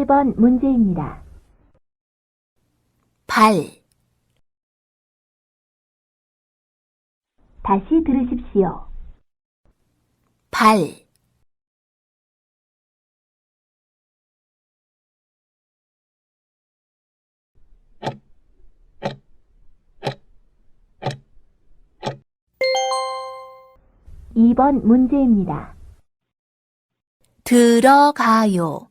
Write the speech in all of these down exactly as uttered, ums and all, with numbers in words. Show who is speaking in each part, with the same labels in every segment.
Speaker 1: 팔 번 문제입니다.
Speaker 2: 발,
Speaker 1: 다시 들으십시오.
Speaker 2: 발,
Speaker 1: 이 번 문제입니다.
Speaker 2: 들어가요.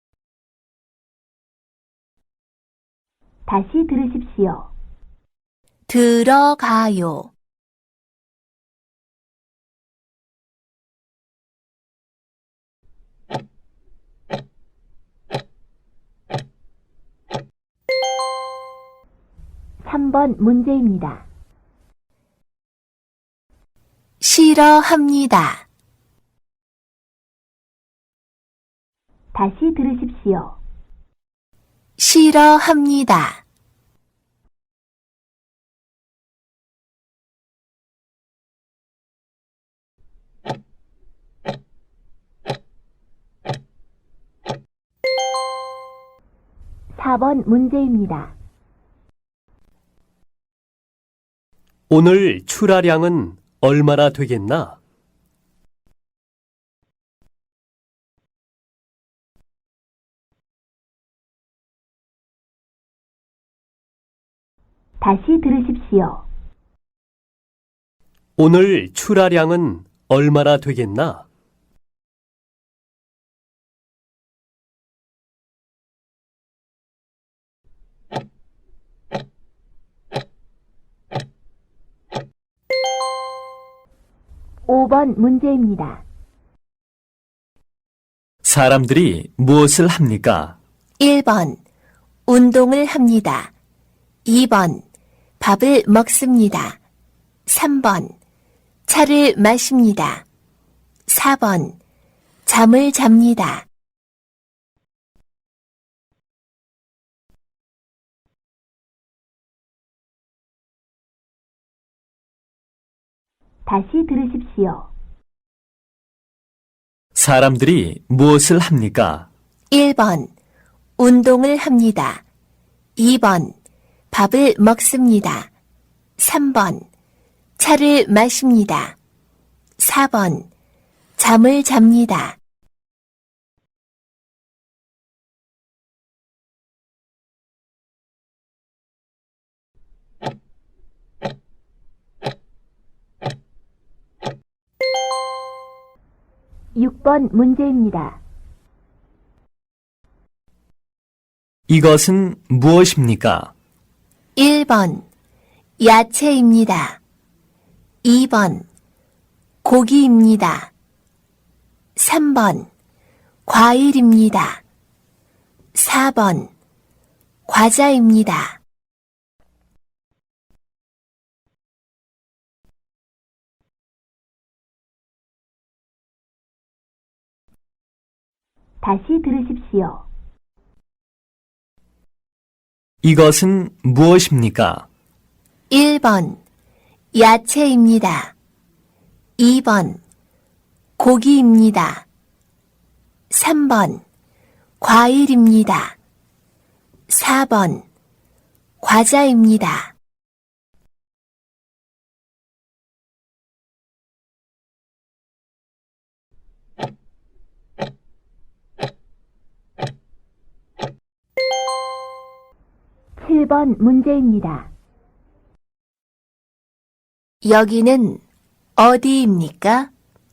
Speaker 1: 다시 들으십시오.
Speaker 2: 들어가요.
Speaker 1: 삼 번 문제입니다.
Speaker 2: 싫어합니다.
Speaker 1: 다시 들으십시오.
Speaker 2: 싫어합니다.
Speaker 1: 사 번 문제입니다.
Speaker 3: 오늘 출하량은 얼마나 되겠나?
Speaker 1: 다시 들으십시오.
Speaker 3: 오늘 출하량은 얼마나 되겠나?
Speaker 1: 오 번 문제입니다.
Speaker 3: 사람들이 무엇을 합니까?
Speaker 2: 일 번, 운동을 합니다. 이 번, 밥을 먹습니다. 삼 번, 차를 마십니다. 사 번, 잠을 잡니다.
Speaker 1: 다시 들으십시오.
Speaker 3: 사람들이 무엇을 합니까?
Speaker 2: 일 번, 운동을 합니다. 이 번, 밥을 먹습니다. 삼 번, 차를 마십니다. 사 번, 잠을 잡니다.
Speaker 1: 육 번 문제입니다.
Speaker 3: 이것은 무엇입니까?
Speaker 2: 일 번, 야채입니다. 이 번, 고기입니다. 삼 번, 과일입니다. 사 번, 과자입니다.
Speaker 1: 다시 들으십시오.
Speaker 3: 이것은 무엇입니까?
Speaker 2: 일 번, 야채입니다. 이 번, 고기입니다. 삼 번, 과일입니다. 사 번, 과자입니다.
Speaker 1: 칠 번 문제입니다.
Speaker 2: 여기는 어디입니까?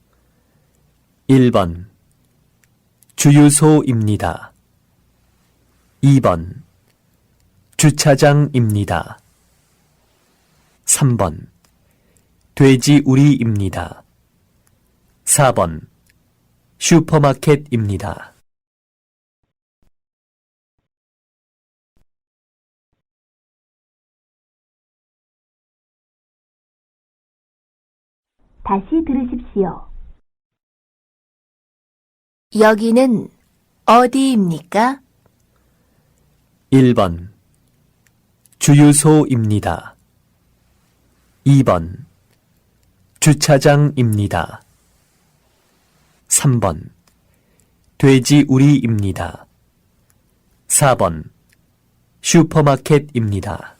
Speaker 3: 일 번 주유소입니다. 이 번 주차장입니다. 삼 번 돼지우리입니다. 사 번 슈퍼마켓입니다.
Speaker 1: 다시 들으십시오.
Speaker 2: 여기는 어디입니까?
Speaker 3: 일 번 주유소입니다. 이 번 주차장입니다. 삼 번 돼지우리입니다. 사 번 슈퍼마켓입니다.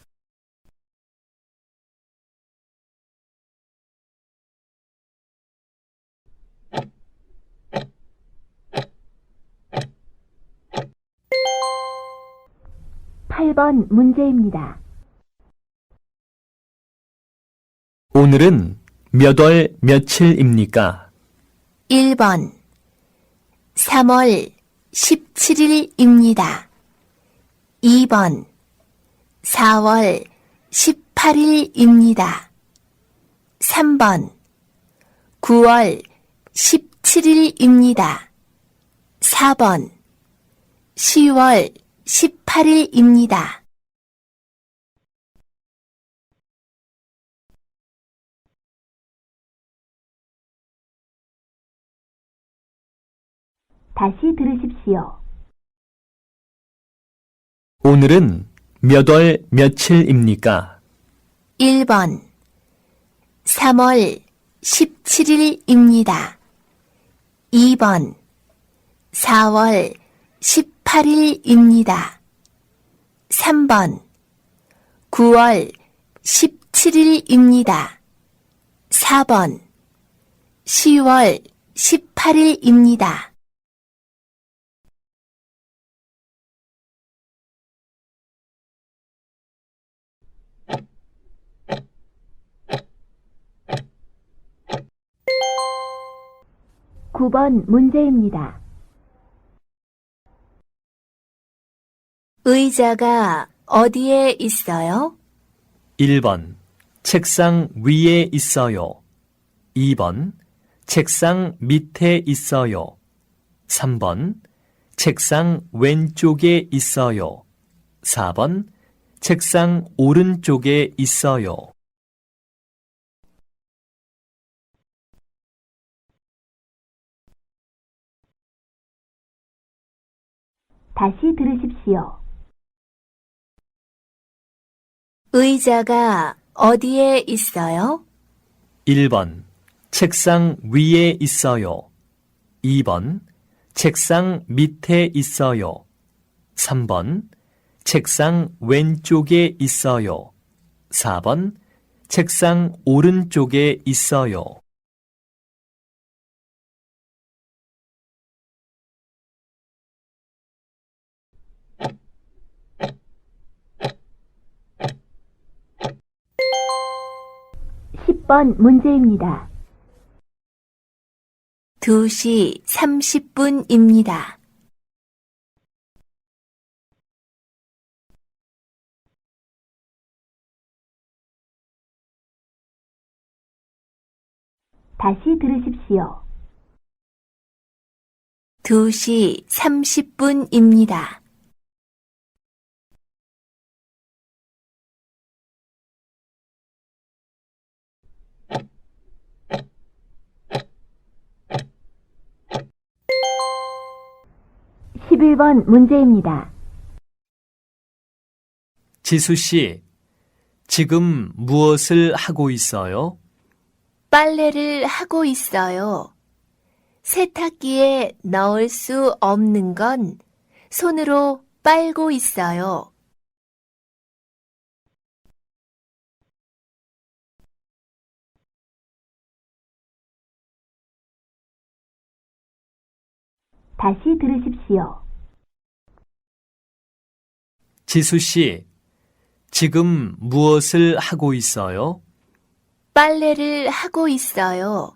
Speaker 1: 팔 번 문제입니다.
Speaker 3: 오늘은 몇 월 며칠입니까?
Speaker 2: 일 번 삼월 십칠일입니다. 이 번 사월 십팔일입니다. 삼 번 구월 십칠일입니다. 사 번 시월 십팔일입니다.
Speaker 1: 다시 들으십시오.
Speaker 3: 오늘은 몇 월 며칠입니까?
Speaker 2: 일 번 삼월 십칠일입니다. 이 번 사월 십팔일입니다. 삼 번 구월 십칠일입니다. 사 번 시월 십팔일입니다.
Speaker 1: 구 번 문제입니다.
Speaker 2: 의자가 어디에 있어요?
Speaker 3: 일 번 책상 위에 있어요. 이 번 책상 밑에 있어요. 삼 번 책상 왼쪽에 있어요. 사 번 책상 오른쪽에 있어요.
Speaker 1: 다시 들으십시오.
Speaker 2: 의자가 어디에 있어요?
Speaker 3: 일 번 책상 위에 있어요. 이 번 책상 밑에 있어요. 삼 번 책상 왼쪽에 있어요. 사 번 책상 오른쪽에 있어요.
Speaker 1: 십 번 문제입니다.
Speaker 2: 두 시 삼십 분입니다.
Speaker 1: 다시 들으십시오.
Speaker 2: 두 시 삼십 분입니다.
Speaker 1: 십일 번 문제입니다.
Speaker 3: 지수 씨, 지금 무엇을 하고 있어요?
Speaker 2: 빨래를 하고 있어요. 세탁기에 넣을 수 없는 건 손으로 빨고 있어요.
Speaker 1: 다시 들으십시오.
Speaker 3: 지수 씨, 지금 무엇을 하고 있어요?
Speaker 2: 빨래를 하고 있어요.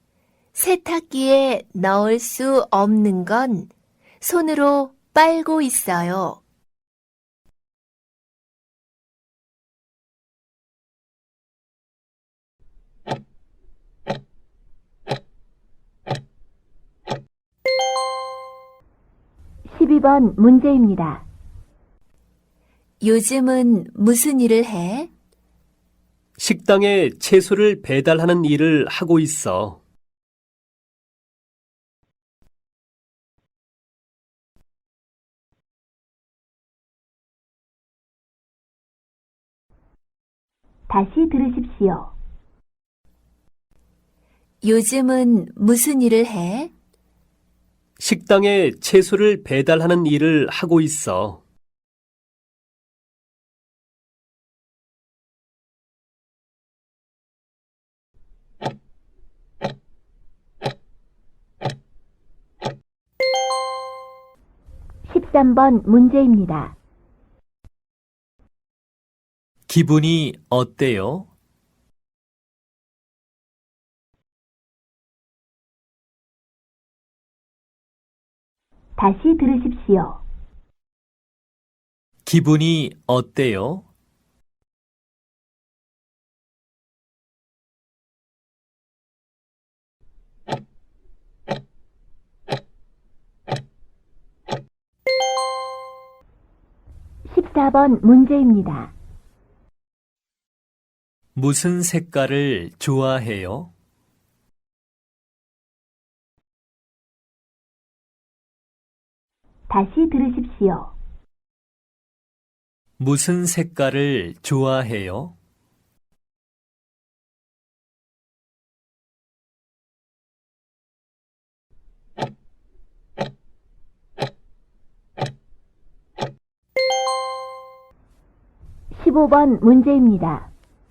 Speaker 2: 세탁기에 넣을 수 없는 건 손으로 빨고 있어요.
Speaker 1: 십이 번 문제입니다.
Speaker 2: 요즘은 무슨 일을 해?
Speaker 3: 식당에 채소를 배달하는 일을 하고 있어.
Speaker 1: 다시 들으십시오.
Speaker 2: 요즘은 무슨 일을 해?
Speaker 3: 식당에 채소를 배달하는 일을 하고 있어.
Speaker 1: 십삼 번 문제입니다.
Speaker 3: 기분이 어때요?
Speaker 1: 다시 들으십시오.
Speaker 3: 기분이 어때요?
Speaker 1: 십사 번 문제입니다.
Speaker 3: 무슨 색깔을 좋아해요?
Speaker 1: 다시 들으십시오.
Speaker 3: 무슨 색깔을 좋아해요?
Speaker 1: 십오 번 문제입니다.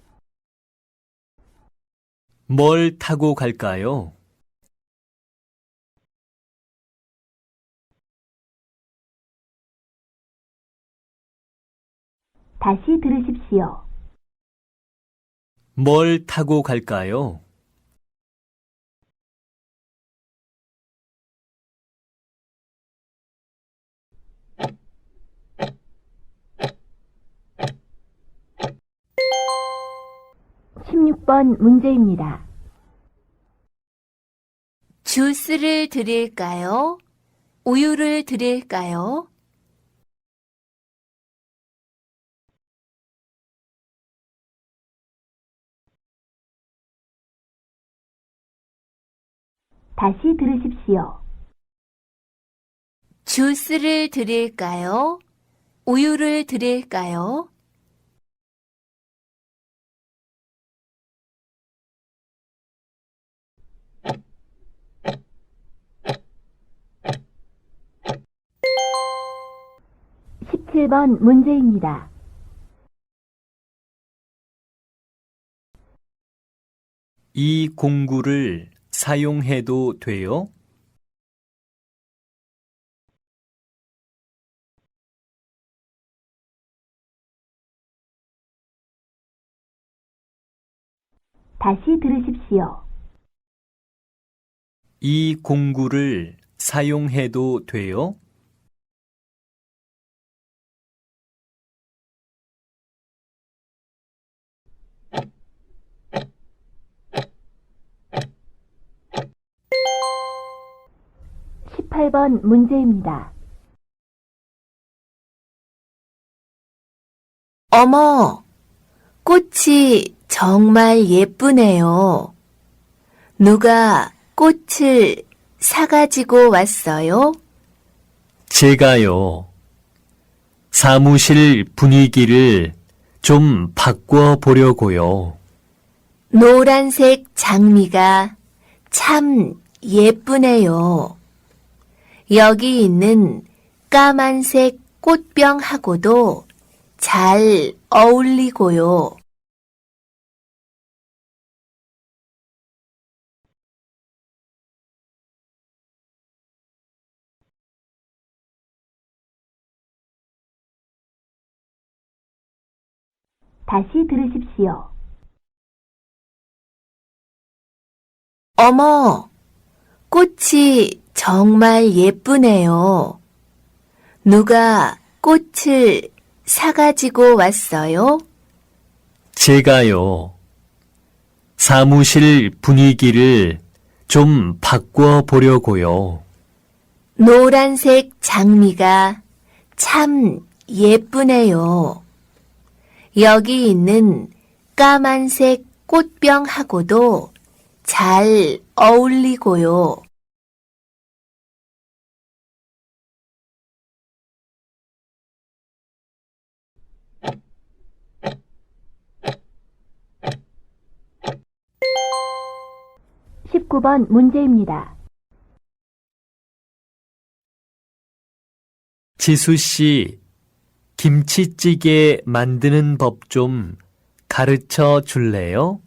Speaker 3: 뭘 타고 갈까요?
Speaker 1: 다시 들으십시오.
Speaker 3: 뭘 타고 갈까요?
Speaker 1: 십육 번 문제입니다.
Speaker 2: 주스를 드릴까요? 우유를 드릴까요?
Speaker 1: 다시 들으십시오.
Speaker 2: 주스를 드릴까요? 우유를 드릴까요?
Speaker 1: 십칠 번 문제입니다.
Speaker 3: 이 공구를 사용해도 돼요?
Speaker 1: 다시 들으십시오.
Speaker 3: 이 공구를 사용해도 돼요?
Speaker 1: 십팔 번 문제입니다.
Speaker 2: 어머, 꽃이 정말 예쁘네요. 누가 꽃을 사가지고 왔어요?
Speaker 3: 제가요. 사무실 분위기를 좀 바꿔 보려고요.
Speaker 2: 노란색 장미가 참 예쁘네요. 여기 있는 까만색 꽃병하고도 잘 어울리고요.
Speaker 1: 다시 들으십시오.
Speaker 2: 어머, 꽃이 정말 예쁘네요. 누가 꽃을 사가지고 왔어요?
Speaker 3: 제가요. 사무실 분위기를 좀 바꿔 보려고요.
Speaker 2: 노란색 장미가 참 예쁘네요. 여기 있는 까만색 꽃병하고도 잘 어울리고요.
Speaker 1: 십구 번 문제입니다.
Speaker 3: 지수 씨, 김치찌개 만드는 법 좀 가르쳐 줄래요?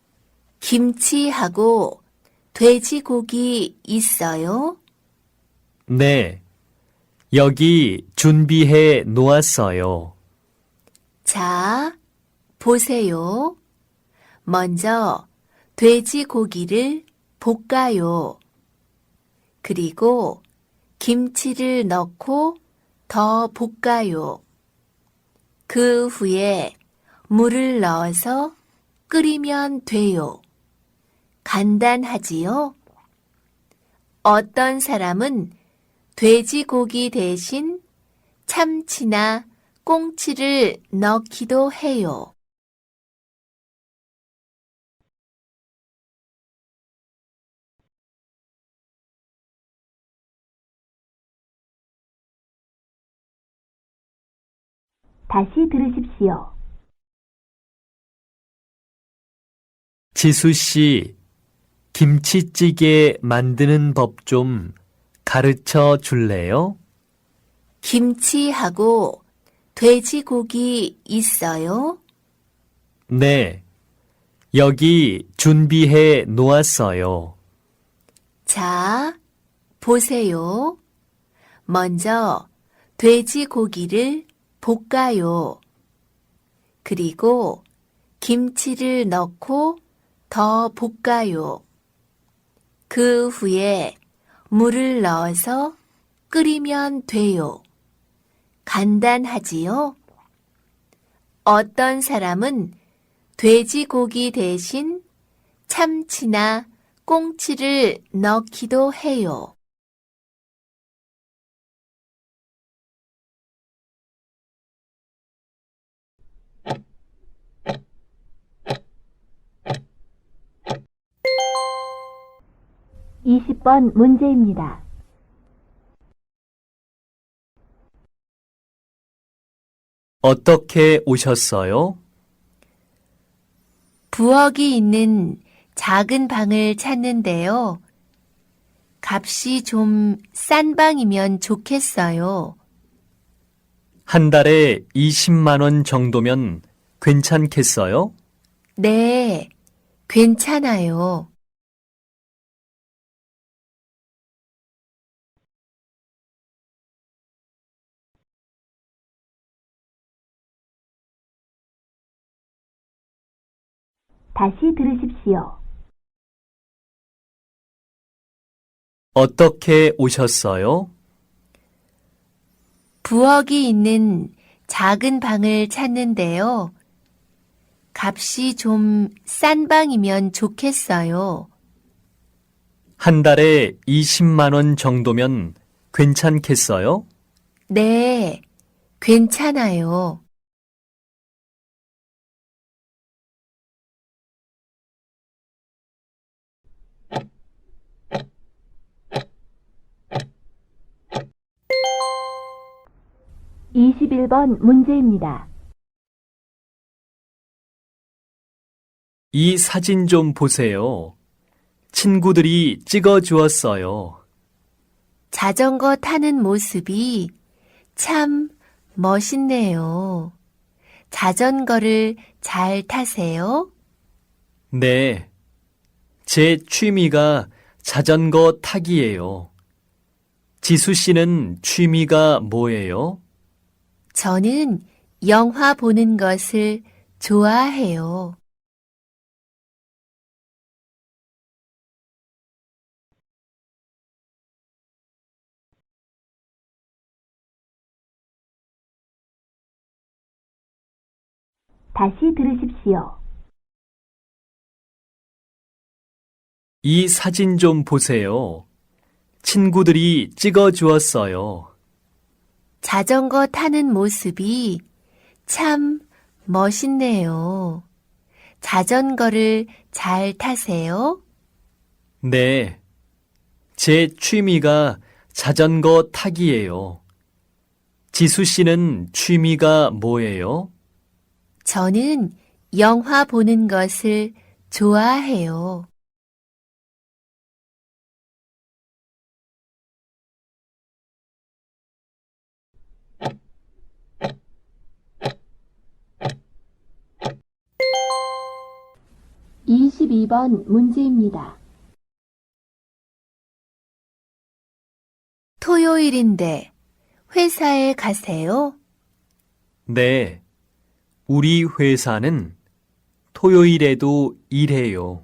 Speaker 2: 김치하고 돼지고기 있어요?
Speaker 3: 네. 여기 준비해 놓았어요.
Speaker 2: 자, 보세요. 먼저 돼지고기를 볶아요. 그리고 김치를 넣고 더 볶아요. 그 후에 물을 넣어서 끓이면 돼요. 간단하지요? 어떤 사람은 돼지고기 대신 참치나 꽁치를 넣기도 해요.
Speaker 1: 다시 들으십시오.
Speaker 3: 지수 씨, 김치찌개 만드는 법 좀 가르쳐 줄래요?
Speaker 2: 김치하고 돼지고기 있어요?
Speaker 3: 네, 여기 준비해 놓았어요.
Speaker 2: 자, 보세요. 먼저 돼지고기를 볶아요. 그리고 김치를 넣고 더 볶아요. 그 후에 물을 넣어서 끓이면 돼요. 간단하지요? 어떤 사람은 돼지고기 대신 참치나 꽁치를 넣기도 해요.
Speaker 1: 이십 번 문제입니다.
Speaker 3: 어떻게 오셨어요?
Speaker 2: 부엌이 있는 작은 방을 찾는데요. 값이 좀 싼 방이면 좋겠어요.
Speaker 3: 한 달에 이십만 원 정도면 괜찮겠어요?
Speaker 2: 네, 괜찮아요.
Speaker 1: 다시 들으십시오.
Speaker 3: 어떻게 오셨어요?
Speaker 2: 부엌이 있는 작은 방을 찾는데요. 값이 좀 싼 방이면 좋겠어요.
Speaker 3: 한 달에 이십만 원 정도면 괜찮겠어요?
Speaker 2: 네, 괜찮아요.
Speaker 1: 이십일 번 문제입니다.
Speaker 3: 이 사진 좀 보세요. 친구들이 찍어 주었어요.
Speaker 2: 자전거 타는 모습이 참 멋있네요. 자전거를 잘 타세요?
Speaker 3: 네. 제 취미가 자전거 타기예요. 지수 씨는 취미가 뭐예요?
Speaker 2: 저는 영화 보는 것을 좋아해요.
Speaker 1: 다시 들으십시오.
Speaker 3: 이 사진 좀 보세요. 친구들이 찍어 주었어요.
Speaker 2: 자전거 타는 모습이 참 멋있네요. 자전거를 잘 타세요?
Speaker 3: 네. 제 취미가 자전거 타기예요. 지수 씨는 취미가 뭐예요?
Speaker 2: 저는 영화 보는 것을 좋아해요.
Speaker 1: 이십이 번 문제입니다.
Speaker 2: 토요일인데 회사에 가세요?
Speaker 3: 네, 우리 회사는 토요일에도 일해요.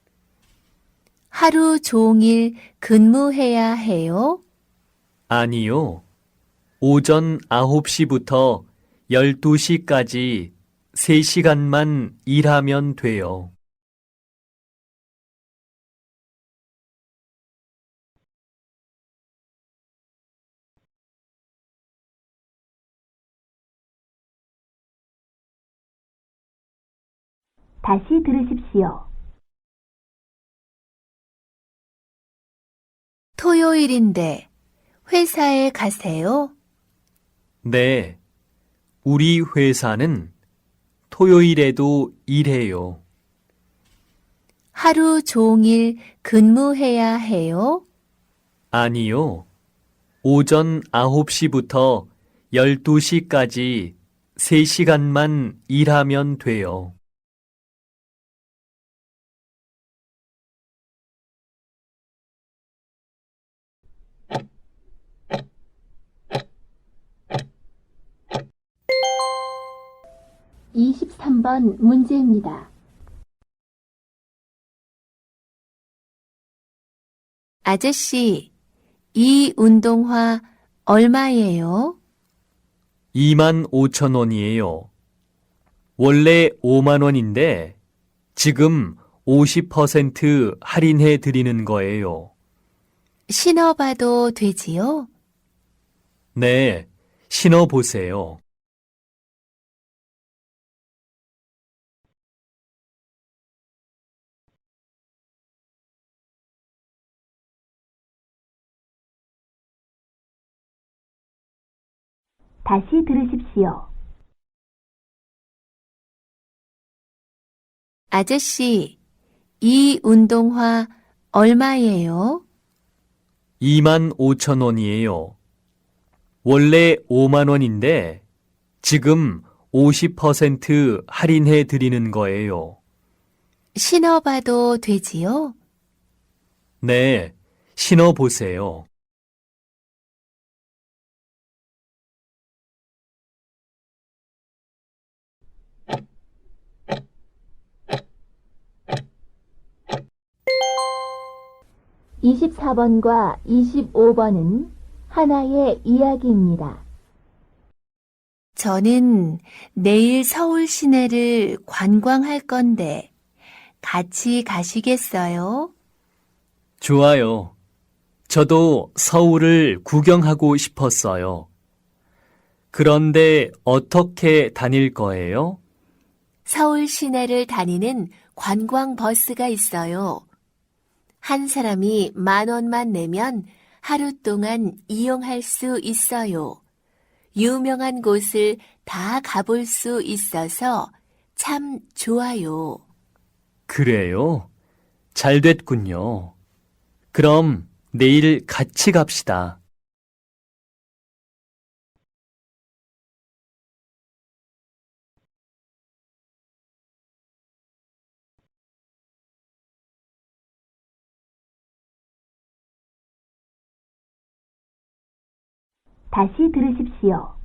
Speaker 2: 하루 종일 근무해야 해요?
Speaker 3: 아니요. 오전 아홉 시부터 열두 시까지 세 시간만 일하면 돼요.
Speaker 1: 다시 들으십시오.
Speaker 2: 토요일인데 회사에 가세요?
Speaker 3: 네, 우리 회사는 토요일에도 일해요.
Speaker 2: 하루 종일 근무해야 해요?
Speaker 3: 아니요. 오전 아홉 시부터 열두 시까지 세 시간만 일하면 돼요.
Speaker 1: 이십삼 번 문제입니다.
Speaker 2: 아저씨, 이 운동화 얼마예요?
Speaker 3: 이만 오천 원이에요. 원래 오만 원인데 지금 오십 퍼센트 할인해 드리는 거예요.
Speaker 2: 신어봐도 되지요?
Speaker 3: 네, 신어 보세요.
Speaker 1: 다시 들으십시오.
Speaker 2: 아저씨, 이 운동화 얼마예요?
Speaker 3: 이만 오천 원이에요. 원래 오만 원인데 지금 오십 퍼센트 할인해 드리는 거예요.
Speaker 2: 신어봐도 되지요?
Speaker 3: 네, 신어 보세요.
Speaker 1: 이십사 번과 이십오 번은 하나의 이야기입니다.
Speaker 2: 저는 내일 서울 시내를 관광할 건데 같이 가시겠어요?
Speaker 3: 좋아요. 저도 서울을 구경하고 싶었어요. 그런데 어떻게 다닐 거예요?
Speaker 2: 서울 시내를 다니는 관광 버스가 있어요. 한 사람이 만 원만 내면 하루 동안 이용할 수 있어요. 유명한 곳을 다 가볼 수 있어서 참 좋아요.
Speaker 3: 그래요? 잘 됐군요. 그럼 내일 같이 갑시다.
Speaker 1: 다시 들으십시오.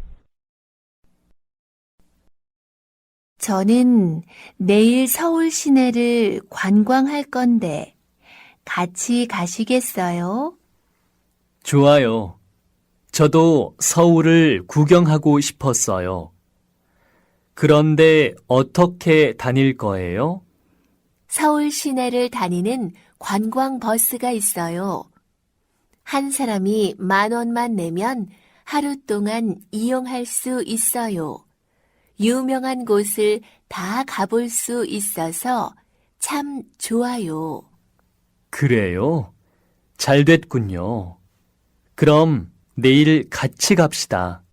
Speaker 2: 저는 내일 서울 시내를 관광할 건데 같이 가시겠어요?
Speaker 3: 좋아요. 저도 서울을 구경하고 싶었어요. 그런데 어떻게 다닐 거예요?
Speaker 2: 서울 시내를 다니는 관광 버스가 있어요. 한 사람이 만 원만 내면 하루 동안 이용할 수 있어요. 유명한 곳을 다 가볼 수 있어서 참 좋아요.
Speaker 3: 그래요? 잘 됐군요. 그럼 내일 같이 갑시다.